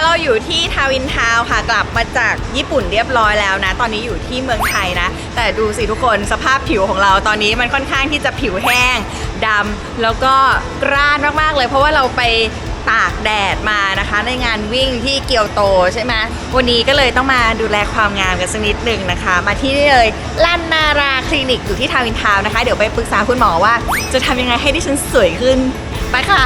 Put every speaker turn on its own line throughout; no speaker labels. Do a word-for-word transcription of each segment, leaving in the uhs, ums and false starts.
เราอยู่ที่ทาวินทาวน์ค่ะกลับมาจากญี่ปุ่นเรียบร้อยแล้วนะตอนนี้อยู่ที่เมืองไทยนะแต่ดูสิทุกคนสภาพผิวของเราตอนนี้มันค่อนข้างที่จะผิวแห้งดำแล้วก็กร้านมากๆเลยเพราะว่าเราไปตากแดดมานะคะในงานวิ่งที่เกียวโตใช่ไหมวันนี้ก็เลยต้องมาดูแลความงามกันสักนิดหนึ่งนะคะมาที่นี่เลยลันนาราคลินิกอยู่ที่ทาวินทาวน์นะคะเดี๋ยวไปปรึกษาคุณหมอว่าจะทำยังไงให้ดิฉันสวยขึ้นไปค่ะ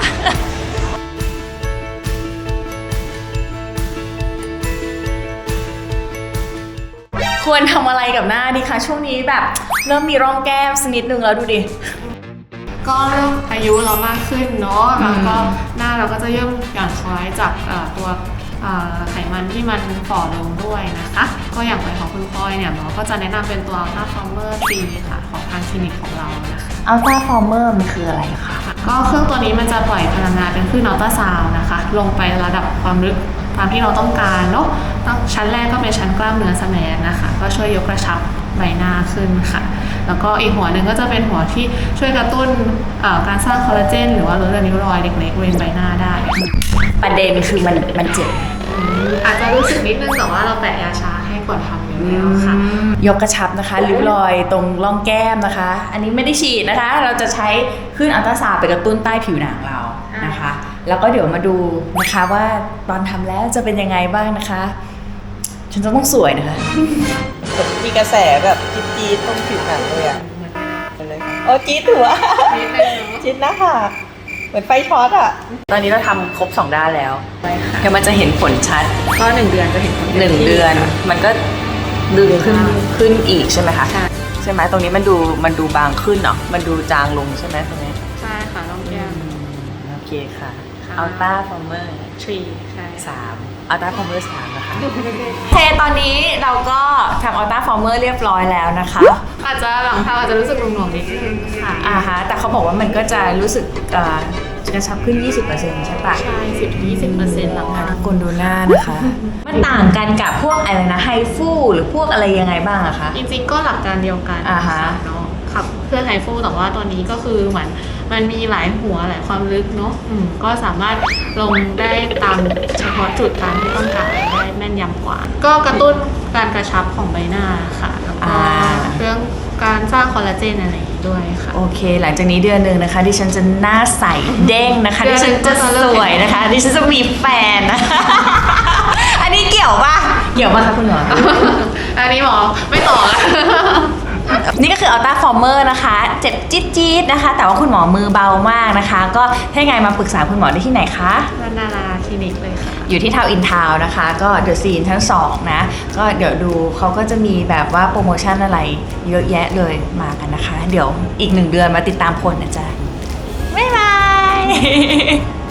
ควรทำอะไรกับหน้าดีคะช่วงนี้แบบเริ่มมีร่องแก้มสักนิดนึงแล้วดูดิ
ก็เริ่มอายุเรามากขึ้นเนาะแล้วก็หน้าเราก็จะเริ่มหย่อนคล้อยจากตัวไขมันที่มันฝ่อลงด้วยนะคะก็อย่างไรของคุณพลอยเนี่ยหมอก็จะแนะนำเป็นตัว Ultra Former ทรี ค่ะของทางคลินิกของเรานะคะ
Ultra Former มันคืออะไรคะ
ก็เครื่องตัวนี้มันจะปล่อยพลังงานเป็นคลื่นอัลตราซาวน์นะคะลงไประดับความลึกตามที่เราต้องการเนาะชั้นแรกก็เป็นชั้นกล้ามเนื้อสแมนนะคะก็ช่วยยกกระชับใบหน้าขึ้นค่ะแล้วก็อีกหัวหนึ่งก็จะเป็นหัวที่ช่วยกระตุ้นการสร้างคอลลาเจนหรือว่าลดริ้วรอยเล็กๆบริเวณใบหน้าได้
ประเด็นคือมันมันเจ็บ
อาจจะรู้สึกนิดนึงแต่ว่าเราแปะยาชาให้ก่อนทำอยู่แล้วค่ะ
ยกกระชับนะคะริ้วรอยตรงร่องแก้มนะคะอันนี้ไม่ได้ฉีดนะคะเราจะใช้คลื่นอัลตราซาวด์ไปกระตุ้นใต้ผิวหนังเรานะคะแล้วก็เดี๋ยวมาดูนะคะว่าตอนทำแล้วจะเป็นยังไงบ้างนะคะฉันจะต้องสวยนะคะมีกระแสแบบจี๊ดๆตรงผิวหนังเลยอ่ะเลยโอ้จี๊ดถือว่าจี๊ดนะคะเหมือนไฟช็อตอ่ะตอนนี้เราทำครบสองด้านแล้วเดี๋ยวมันจะเห็นผลชัด
ก็หนึ่งเดือนจะเห็นผล
หนึ่งเดือนมันก็ดึงขึ้นขึ้นอีกใช่ไหมคะใช่ใช่ไหมตรงนี้มันดูมันดูบางขึ้นเนาะมันดูจางลงใช่ไหมตรงนี้
ใช่ค่ะร่องแก้ม
โอเคค่ะอัลต้าฟอร์เมอร์
ทรีใช่
สามอัลต้าฟอร์เมอร์สามนะคะเทตอนนี้เราก็ทำอัลต้าฟอร์เมอร์เรียบร้อยแล้วนะคะ
อาจจะหลังทำอาจจะรู้สึกหน่วงๆนิดนึงค่ะ
อ่าฮะแต่เขาบอกว่ามันก็จะรู้สึกกระชับขึ้น ยี่สิบเปอร์เซ็นต์ ใช่ปะ
ใช่ สิบถึงยี่สิบเปอร์เซ็นต์ หลังทำ
กลดูหน้านะคะมันต่างกันกับพวกอะไรนะไฮฟูหรือพวกอะไรยังไงบ้างอะคะ
จริงๆก็หลักการเดียวกัน
อ่าฮะ
เนาะขับเพื่อไฮฟูแต่ว่าตัวนี้ก็คือเหมือนมันมีหลายหัวหลายความลึกเนาะก็สามารถลงได้ตามเฉพาะจุดตามที่ต้องการได้แม่นยำกว่าก็กระตุ้นการกระชับของใบหน้าค่ะแล้วก็เรื่องการสร้างคอลลาเจนอะไรด้วยค่ะ
โอเคหลังจากนี้เดือนหนึ่งนะคะดิฉันจะหน้าใสเด้งนะคะดิฉันจะสวยนะคะดิฉันจะมีแฟนนะคะอันนี้เกี่ยวปะเกี่ยวปะคะคุณหมอ
อันนี้หมอไม่ต่อแล้ว
นี่ก็คืออัลต้าฟอร์เมอร์นะคะเจ็บจี๊ดๆนะคะแต่ว่าคุณหมอมือเบามากนะคะก็ถ้าไงมาปรึกษาคุณหมอได้ที่ไหนคะ
ลันนาราคลินิกเลยค่ะ
อยู่ที่ทาวน์อินทาวน์นะคะก็เดอะซีนทั้งสองนะก็เดี๋ยวดูเขาก็จะมีแบบว่าโปรโมชั่นอะไรเยอะแยะเลยมากันนะคะเดี๋ยวอีกหนึ่งเดือนมาติดตามผลนะจ๊ะบ๊ายบาย